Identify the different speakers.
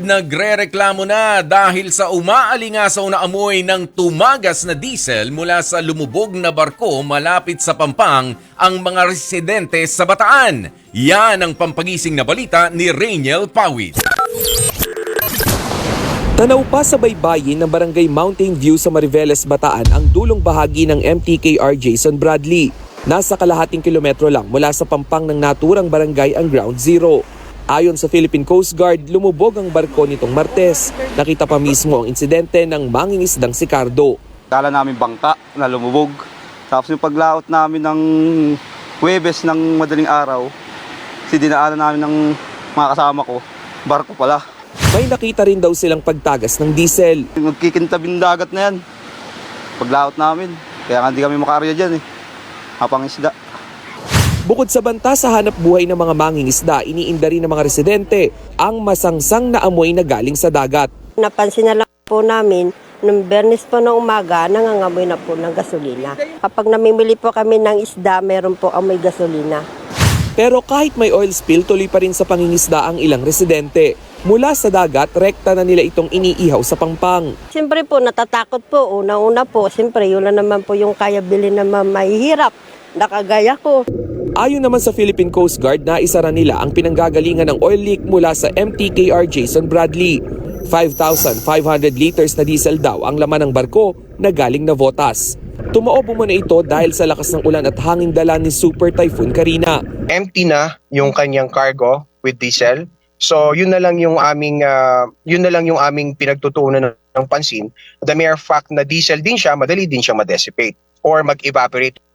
Speaker 1: nagrereklamo na dahil sa umaalingasaw na amoy ng tumagas na diesel mula sa lumubog na barko malapit sa Pampang ang mga residente sa Bataan. Yan ang pampagising na balita ni Rainiel Pawit.
Speaker 2: Tanaw pa sa baybayin ng Barangay Mountain View sa Mariveles, Bataan ang dulong bahagi ng MTKR Jason Bradley. Nasa kalahating kilometro lang mula sa Pampang ng naturang barangay ang Ground Zero. Ayon sa Philippine Coast Guard, lumubog ang barko nitong Martes. Nakita pa mismo ang insidente ng mangingisdang si Cardo.
Speaker 3: Kala namin bangka na lumubog. Tapos yung paglaot namin ng Huwebes ng madaling araw, dinaanan namin ng mga kasama ko, barko pala.
Speaker 2: May nakita rin daw silang pagtagas ng diesel.
Speaker 3: Nagkikintabing dagat na yan. Paglaot namin, kaya nga hindi kami makarya dyan Hapang isda.
Speaker 2: Bukod sa banta sa hanap buhay ng mga mangingisda, iniinda rin ng mga residente ang masangsang na amoy na galing sa dagat.
Speaker 4: Napansin na lang po namin, nung Bernes po ng umaga, nangangamoy na po ng gasolina. Kapag namimili po kami ng isda, meron po amoy gasolina.
Speaker 2: Pero kahit may oil spill, tuloy pa rin sa pangingisda ang ilang residente. Mula sa dagat, rekta na nila itong iniihaw sa Pampang.
Speaker 4: Siyempre po, natatakot po. Una-una po, siyempre, yun na naman po yung kaya bilhin na mahihirap. Nakagaya ko.
Speaker 2: Ayon naman sa Philippine Coast Guard, naisara nila ang pinanggagalingan ng oil leak mula sa MTKR Jason Bradley. 5,500 liters na diesel daw ang laman ng barko na galing Navotas. Tumaob muna ito dahil sa lakas ng ulan at hanging dala ni Super Typhoon Karina.
Speaker 5: Empty na yung kanyang cargo with diesel. So yun na lang yung aming pinagtutuunan ng pansin. The mere fact na diesel din siya, madali din siya ma-dissipate or mag-evaporate.